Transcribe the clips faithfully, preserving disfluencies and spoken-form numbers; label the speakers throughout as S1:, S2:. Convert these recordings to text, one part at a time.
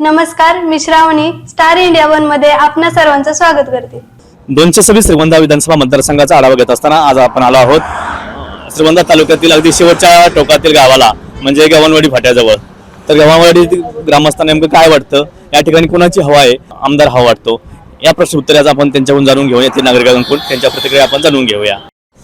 S1: नमस्कार, मी Shravani star India one मध्ये आपणा सर्वांचं स्वागत करते।
S2: दोनशे सव्वीस श्रीगोंदा विधानसभा मतदारसंघाचा आढावा घेत असताना आज आपण आलो आहोत श्रीगोंदा तालुक्यातील अगदी शेवटच्या टोकातील गावाला, म्हणजे गव्हाणवाडी फाट्याजवळ। तर गव्हाणवाडी ग्रामस्थांना नेमकं काय वाटतं, या ठिकाणी कोणाची हवा आहे, आमदार हवा वाटतो, या प्रश्न उत्तराचा आपण त्यांच्याकडून जाणून घेऊया, ते नागरिकांकडून त्यांच्या प्रतिक्रिया आपण जाणून घेऊया।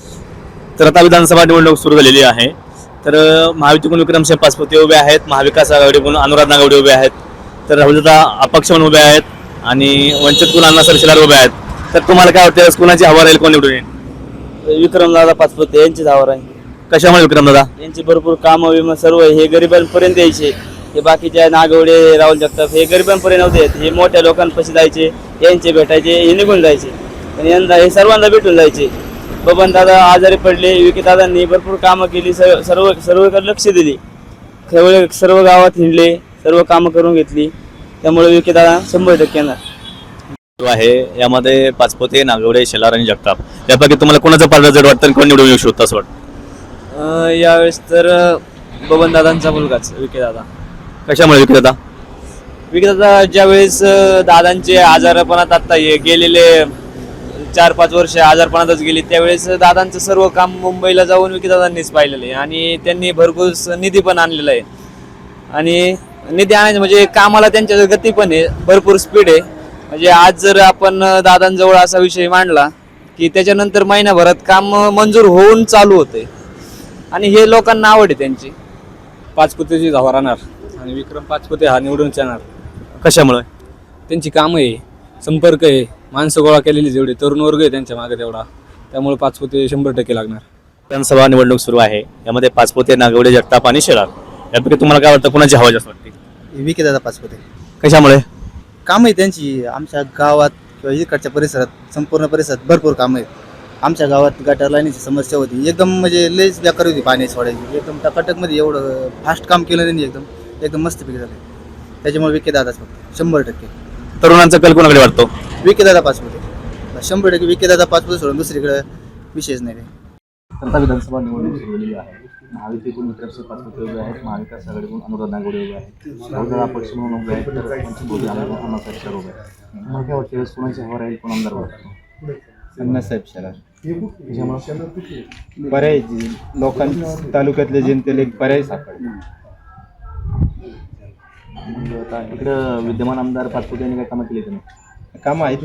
S2: तर आता विधानसभा निवडणूक सुरू झालेली आहे। तर महायुतीकडून विक्रमसिंह पाचपुते उभे आहेत, महाविकास आघाडीकडून अनुराध नागवडे उभे आहेत, तर राहुलदादा अपक्ष म्हणून उभे आहेत आणि वंचितकडून अण्णासाहेब शिलार उभे आहेत। तर तुम्हाला काय वाटतं, कोणाची हवा राहील, कोण निवडून येईल?
S3: विक्रमदादा पाचपुते यांचीच हवा राहील।
S2: कशामुळे विक्रमदादा?
S3: यांची भरपूर कामं विमा सर्व हे गरिबांपर्यंत यायचे, हे बाकीच्या नागवडे राहुल जगताप हे गरिबांपर्यंत नव्हते, हे मोठ्या लोकांपाशी जायचे, यांचे भेटायचे, हे निघून जायचे, पण यंदा हे सर्वांना भेटून जायचे। बबन दादा आजारी पडले, विकी दादांनी भरपूर कामं केली, सर्व सर्वकडे लक्ष दिली, सर्व सर्व गावात हिंडले, सर्व कामं करून घेतली, त्यामुळे विकी दादा शंभर टक्के येणार
S2: आहे। यामध्ये पाचपुते, नागवडे, शेलार आणि जगताप यापैकी तुम्हाला कोणाचा पारडा जड वाटतं आणि कोण निवडून येऊ शकतो असं वाटतं?
S3: यावेळेस तर बबन दादांचा मुलगाच विकी दादा।
S2: कशामुळे विकी दादा?
S3: विकी दादा ज्यावेळेस दादांचे आजारपणात आता हे गेलेले चार पाच वर्ष आजारपणातच गेली, त्यावेळेस दादांचं सर्व काम मुंबईला जाऊन विकी दादांनीच पाहिलेलं आहे आणि त्यांनी भरपूर निधी पण आणलेला आहे। आणि निधी आणायचं म्हणजे कामाला त्यांच्या गती पण आहे, भरपूर स्पीड आहे। म्हणजे आज जर आपण दादांजवळ असा विषय मांडला की त्याच्यानंतर महिन्याभरात काम मंजूर होऊन चालू होते आणि हे लोकांना आवड आहे त्यांची।
S4: पाचपुतेची हवा राहणार आणि विक्रम पाचपुते हा निवडून येणार।
S2: कशामुळे?
S4: त्यांची कामं आहे, संपर्क आहे, माणसं गोळा केलेली जेवढे तरुण वर्ग आहे त्यांच्या मागे तेवढा, त्यामुळे पाचपुते शंभर टक्के लागणार।
S2: विधानसभा निवडणूक सुरू आहे, यामध्ये पाचपुते, नागवडे, जगताप आणि शेलार यापैकी तुम्हाला काय वाटतं, कोणाची हवा जास्त वाटते?
S5: विकी दादा पाचपुते।
S2: कशामुळे?
S5: काम आहे त्यांची, आमच्या गावात किंवा इकडच्या परिसरात संपूर्ण परिसरात भरपूर कामं आहेत। आमच्या गावात गटर लाईनीची समस्या होती, एकदम म्हणजे लयच बेकार होती पाणी सोडायची, एकदम टकाटकमध्ये एवढं फास्ट काम केलं त्यांनी, एकदम एकदम मस्तपैकी झालं। त्याच्यामुळे विकी दादाच फक्त शंभर टक्के।
S2: तरुणांचा कल कोणाकडे वाटतो?
S5: विकी दादा पाचपुते, शंभर टक्के विकी दादा पाचपुते सोडून दुसरीकडे विषयच नाही।
S2: आता विधानसभा निवडणूक सुरू झालेली आहे। महायुतीकडून विक्रमसिंह पाचपुते उभे आहेत, महाविकास आघाडीकडून अनुराध नागवडे उभे आहेत, राहुलदादा अपक्ष म्हणून उभे आहेत, तर वंचितकडून अण्णासाहेब शिलार उभे आहेत। मला काय वाटतं, कोणाची हवा राहील, कोण आमदार वाटतो?
S6: अण्णासाहेब शिलार। पर्याय लोकांच्या तालुक्यातल्या जनतेला एक पर्याय सापडला।
S2: आता इकडं विद्यमान आमदार पाचपुते यांनी काय कामं केली त्यांनी?
S6: कामं आहेत,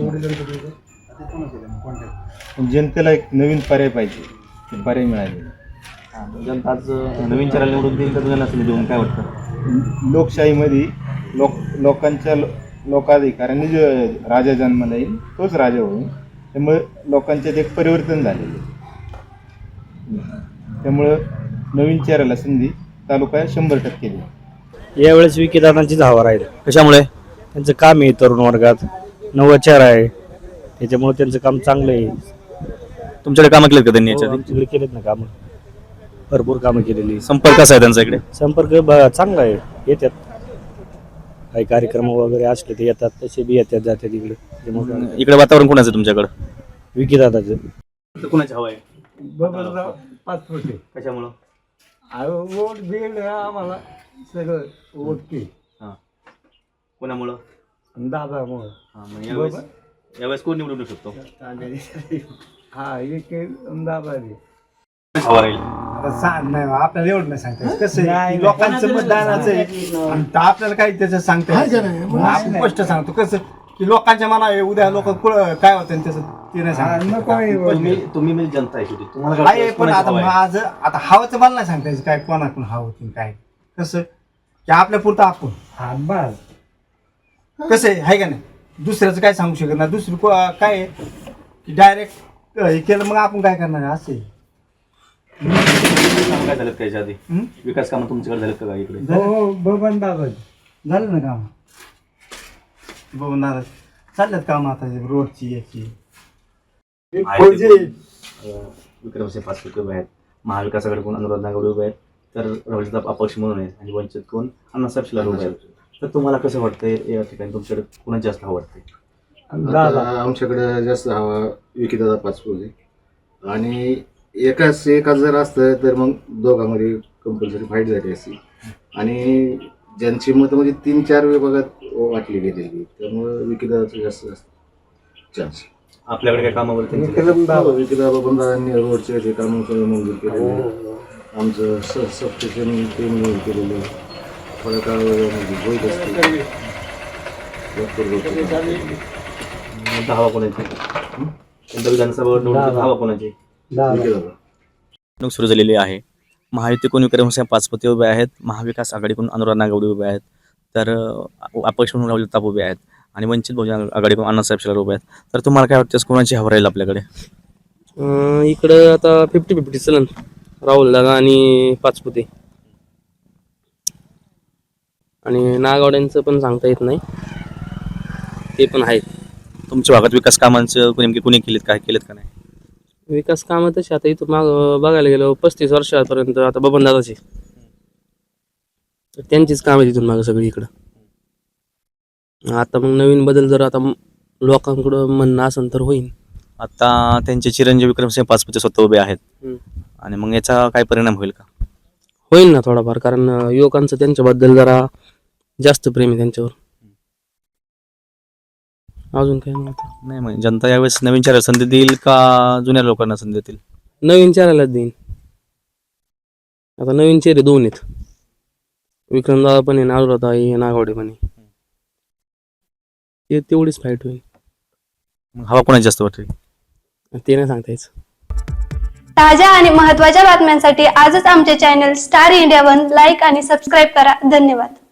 S6: जनतेला एक नवीन पर्याय पाहिजे, ते पर्याय मिळाले।
S2: जनता आज नवीन चेहरा निवडून देईल, तर तुम्हाला असं देऊन काय वाटतं?
S6: लोकशाहीमध्ये लोक लोकांच्या लोकाधिकारांनी जो राजा जन्माला येईल तोच राजा होईल, त्यामुळे लोकांच्यात एक परिवर्तन झालेलं आहे। त्यामुळं नवीन चेहऱ्याला संधी तालुका शंभर टक्के देईल।
S7: यावेळेस विकी दादांचीच हवा राहील।
S2: कशामुळे?
S7: त्यांचं काम आहे, तरुण वर्गात नवा चेहरा आहे, त्याच्यामुळे त्यांचं काम चांगलं आहे।
S2: तुमच्याकडे कामं केलीत का त्यांनी याच्या आधी?
S7: आमच्याकडे केलेत ना कामं, भरपूर कामं केलेली।
S2: संपर्क कसा आहे त्यांचा इकडे?
S7: संपर्क ब- चांगला आहे, येतात काही कार्यक्रम वगैरे असले ते येतात, तसे बी येतात जातात इकडे। त्यामुळे
S2: इकडे वातावरण कोणाचं तुमच्याकडे?
S7: विकी दादाचं।
S2: कोणाची हवा आहे?
S8: पाचपुते।
S2: कशामुळं?
S8: वोट बिल आम्हाला सगळं वोट की
S2: हां, कोणामुळं?
S8: दादामुळं।
S2: हां, मग यावेळेस यावेळेस कोण निवडून येऊ शकतो?
S8: हा एक दादा
S2: हवा राहील?
S8: सांग नाही आपल्याला एवढं नाही सांगता येत. कसं आहे, लोकांचं मतदानाचं आहे आणि तर आपल्याला काही त्याचं सांगता येत नाही। आपण स्पष्ट सांगतो कसं की लोकांच्या मना उद्या लोक काय होतं त्याचं ते नाही सांगतो।
S2: तुम्ही तुम्ही म्हणजे जनता आहे शेवटी, तुम्हाला काय
S8: आहे
S2: वाटतं,
S8: पण
S2: कोणाची
S8: आता
S2: हवा आहे?
S8: माझं आता हवाचं मला नाही सांगता यायचं काय कोणाकडून हवं होती काय, कसं की आपल्या पुरतं आपण हा बस कसं आहे हाय का नाही, दुसऱ्याचं काय सांगू शकत नाही। दुसरं को- काय आहे की डायरेक्ट हे केलं मग आपण काय करणार आहे, असं आहे।
S2: कामं काय झालं का याच्या आधी?
S8: हं?
S2: विकास कामं तुमच्याकडे झालं का इकडे?
S8: हो बबन दादा झालं ना काम, बबन दादा चालल्यात काम आता रोडची याची
S2: विक्रमसिंह पाचपुते उभे आहेत, महाविकास आघाडीकडून अनुराध नागवडे उभे आहेत, तर राहुलदादा अपक्ष म्हणून आहेत आणि वंचितकडून अण्णासाहेब शिलार उभे आहेत। तर तुम्हाला कसं वाटतंय या ठिकाणी, तुमच्याकडे कोणाची जास्त हवा वाटते?
S9: आता आमच्याकडे जास्त हवा विकी दादा पाचपुते आणि एकाच एकाच जर असतं तर मग दोघांमध्ये कंपल्सरी फाईट झाली असती आणि ज्यांची मतं म्हणजे तीन चार विभागात वाटली गेलेली, त्यामुळे विकीदादाचं जास्त जास्त चान्स.
S2: आपल्याकडे काय कामावरती
S9: विकीदादा पण दादांनी रोडचे जे कामं सगळे मंजूर केलेले, आमचं स सबस्टेशन ते मंजूर केलेलं, थोड्या काळामध्ये होत असते भरपूर गोष्टी केलेल्या.
S2: हवा कोणाची यंदा विधानसभा निवडणूक हवा कोणाची
S9: विकीदादा
S2: निवडणूक सुरू झालेली आहे. महायुतीकडून विक्रमसिंह पाचपुते उभे आहेत, महाविकास आघाडीकडून अनुराध नागवडे उभे आहेत, तर अ, अपक्ष म्हणून राहुल ताप उभे आहेत आणि वंचित बहुजन आघाडीकडून अण्णासाहेब शिलार उभे आहेत. तर तुम्हाला काय वाटतं कोणाची हवा राहील आपल्याकडे?
S4: अं, इकडं आता फिफ्टी फिफ्टी चलन राहुल दादा आणि पाचपुते, आणि नागावड्यांचं पण सांगता येत नाही, ते पण आहेत.
S2: तुमच्या भागात विकास कामांचं नेमके कुणी केलेत, काय केलेत का नाही?
S4: विकास कामं तशी आता इथं माग बघायला गेलो पस्तीस वर्षापर्यंत आता बबन दादाचे, तर त्यांचीच कामं तिथून मागं सगळी इकडं. आता मग नवीन बदल जर आता लोकांकडं म्हणणं असेल तर होईल.
S2: आता त्यांचे चिरंजीव विक्रमसिंह पाचपुते स्वतः उभे आहेत
S4: हम्म.
S2: आणि मग याचा काय परिणाम होईल का?
S4: होईल ना थोडाफार, कारण अं, युवकांचं त्यांच्याबद्दल जरा जास्त प्रेम आहे त्यांच्यावर. अजून काय नव्हतं.
S2: नाही म्हणजे जनता यावेळेस नवीन चेहऱ्याला संधी देईल का जुन्या लोकांना संधी देतील?
S4: नवीन चेहऱ्यालाच देईन. आता नवीन चेहरे दोन आहेत, विक्रमदादा पण आहे, नागवडे आहे, नागवडे पण आहे. ते तेवढीच फाईट होईल,
S2: मग हवा कोणाची जास्त वाटेल?
S4: ते नाही सांगता यायचं.
S1: ताज्या आणि महत्त्वाच्या बातम्यांसाठी आजच आमचे channel star India one like आणि सबस्क्राईब करा. धन्यवाद.